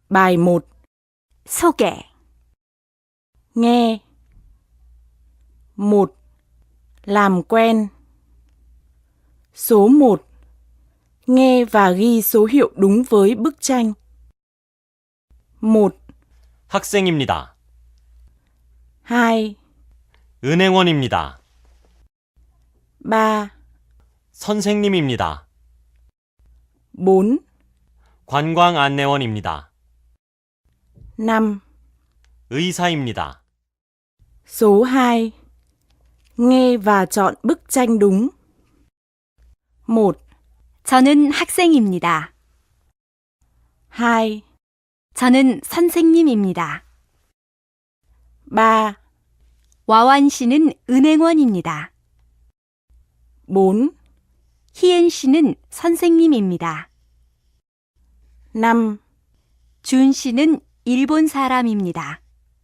Bài 1. 소개, Nghe. 1. Làm quen. Số 1. Nghe và ghi số hiệu đúng với bức tranh. 1, 학생입니다. 2, 은행원입니다. 3, 선생님입니다. 4, 관광안내원입니다. 5. 의사입니다. Số 2. Nghe và chọn bức tranh đúng. 1, 저는 학생입니다. 2, 저는 선생님입니다. 3, 와완 씨는 은행원입니다. 4, 희엔 씨는 선생님입니다. 5, 준 씨는 일본 사람입니다.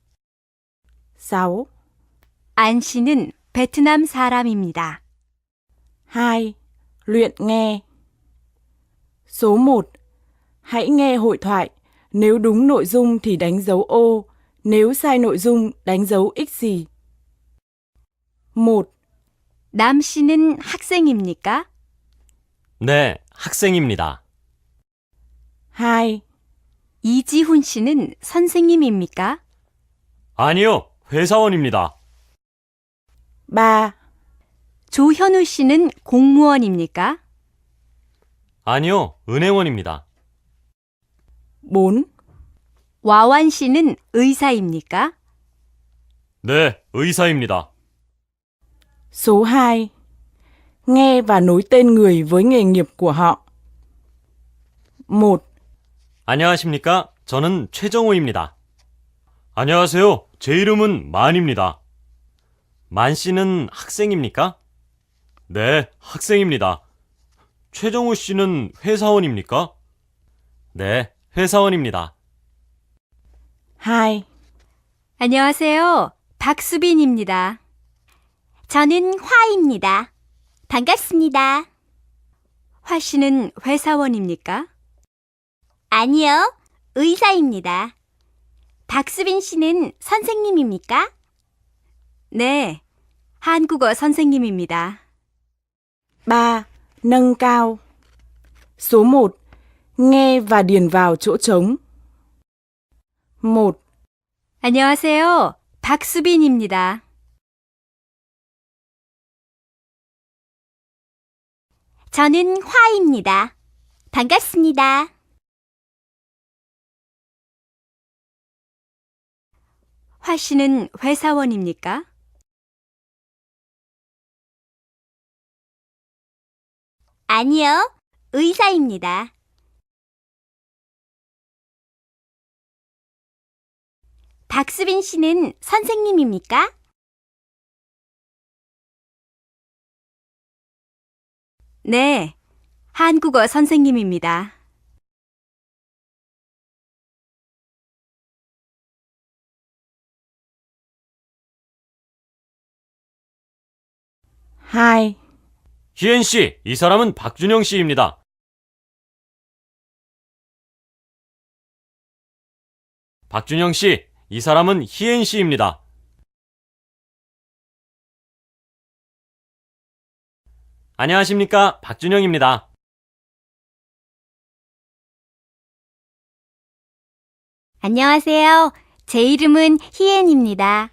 6, 안 씨는 베트남 사람입니다. 2. Luyện nghe. Số 1. Hãy nghe hội thoại. Nếu đúng nội dung thì đánh dấu ô. Nếu sai nội dung, đánh dấu x gì. 1. 남 씨는 학생입니까? 네, 학생입니다. 2. 이지훈 씨는 선생님입니까? 아니요, 회사원입니다. 3. 조현우 씨는 공무원입니까? 아니요, 은행원입니다. 4. 와완 씨는 의사입니까? 네, 의사입니다. Số 2. Nghe và nối tên người với nghề nghiệp của họ. 1. 안녕하십니까? 저는 최정호입니다. 안녕하세요. 제 이름은 만입니다. 만 씨는 학생입니까? 네, 학생입니다. 최정호 씨는 회사원입니까? 네, 회사원입니다. 2. 안녕하세요. 박수빈입니다. 저는 화입니다. 반갑습니다. 화 씨는 회사원입니까? 아니요, 의사입니다. 박수빈 씨는 선생님입니까? 네, 한국어 선생님입니다. 3. Nâng cao. Số 1. Nghe và điền vào chỗ trống. 1, 안녕하세요. 박수빈입니다. 저는 화입니다. 반갑습니다. 화 씨는 회사원입니까? 아니요, 의사입니다. 박수빈 씨는 선생님입니까? 네, 한국어 선생님입니다. hai. 희엔 씨, 이 사람은 박준영 씨입니다. 박준영 씨, 이 사람은 희엔 씨입니다. 안녕하십니까, 박준영입니다. 안녕하세요. 제 이름은 희엔입니다.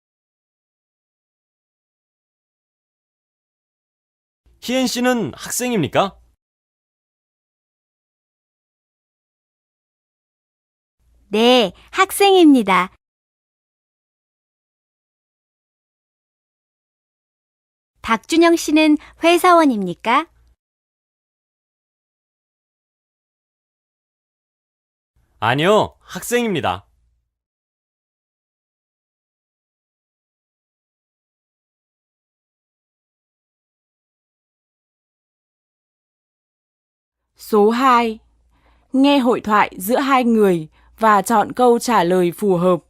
희엔 씨는 학생입니까? 네, 학생입니다. 박준영 씨는 회사원입니까? 아니요, 학생입니다. Số 2. Nghe hội thoại giữa hai người và chọn câu trả lời phù hợp.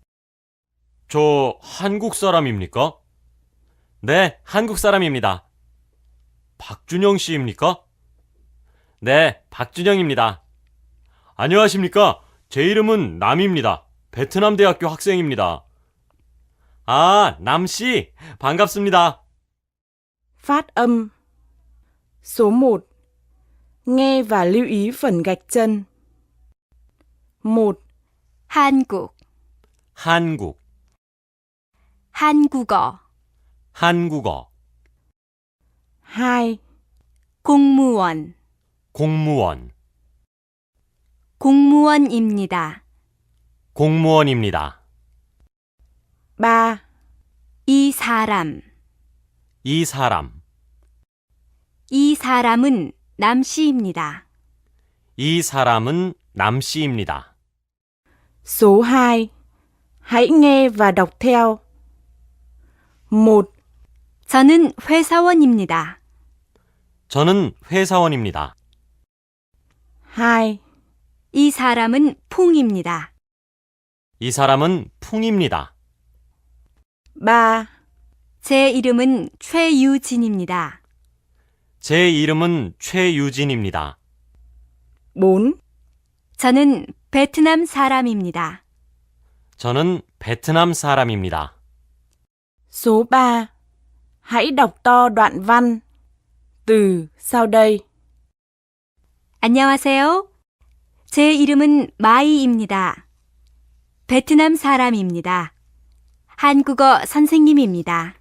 저 한국 사람입니까? 네, 한국 사람입니다. 박준영 씨입니까? 네, 박준영입니다. 안녕하십니까? 제 이름은 남입니다. 베트남 대학교 학생입니다. 아, 남씨, 반갑습니다. Phát âm. Số 1. Nghe và lưu ý phần gạch chân. 1, 한국, 한국, 한국어, 한국어, 2, 공무원, 공무원, 공무원입니다. 공무원입니다. 3, 이 사람, 이 사람, 이 사람은 남씨입니다. 이 사람은 남씨입니다. số 2. Hãy nghe và đọc theo. 1, 저는 회사원입니다. 저는 회사원입니다. 2, 이 사람은 풍입니다. 이 사람은 풍입니다. 3, 제 이름은 최유진입니다. 제 이름은 최유진입니다. 4, 저는 베트남 사람입니다. 저는 베트남 사람입니다. số 3. Hãy đọc to đoạn văn từ sau đây. 안녕하세요. 제 이름은 마이입니다. 베트남 사람입니다. 한국어 선생님입니다.